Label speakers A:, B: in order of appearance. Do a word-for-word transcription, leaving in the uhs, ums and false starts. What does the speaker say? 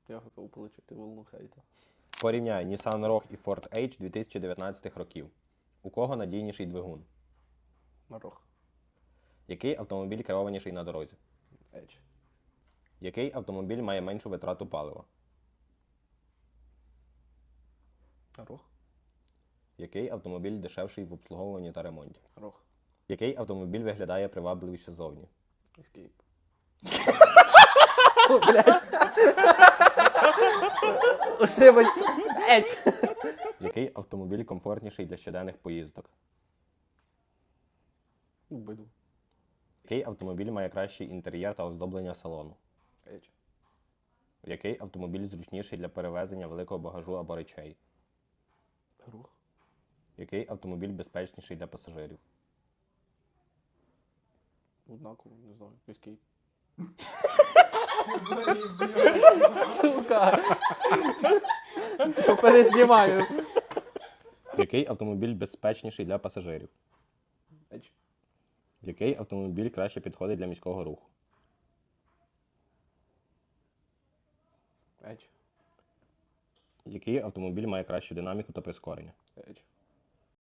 A: Я готов отримати волну хейта.
B: Порівняй Nissan Rogue і Ford Edge дві тисячі дев'ятнадцятих років. У кого надійніший двигун?
A: Рог.
B: Який автомобіль керованіший на дорозі?
A: Edge.
B: Який автомобіль має меншу витрату палива?
A: Рог.
B: Який автомобіль дешевший в обслуговуванні та ремонті?
A: Рог.
B: Який автомобіль виглядає привабливіше ззовні?
A: Escape. О, блядь. Ошибать. Edge.
B: Який автомобіль комфортніший для щоденних поїздок?
A: Убиду.
B: Який автомобіль має кращий інтер'єр та оздоблення салону?
A: Edge.
B: Який автомобіль зручніший для перевезення великого багажу або речей?
A: Рог.
B: Який автомобіль безпечніший для пасажирів?
A: Однаково, не знаю. Escape. Сука. То перезнімаю.
B: Який автомобіль безпечніший для пасажирів?
A: Edge.
B: Який автомобіль краще підходить для міського руху?
A: Edge.
B: Який автомобіль має кращу динаміку та прискорення?
A: Edge.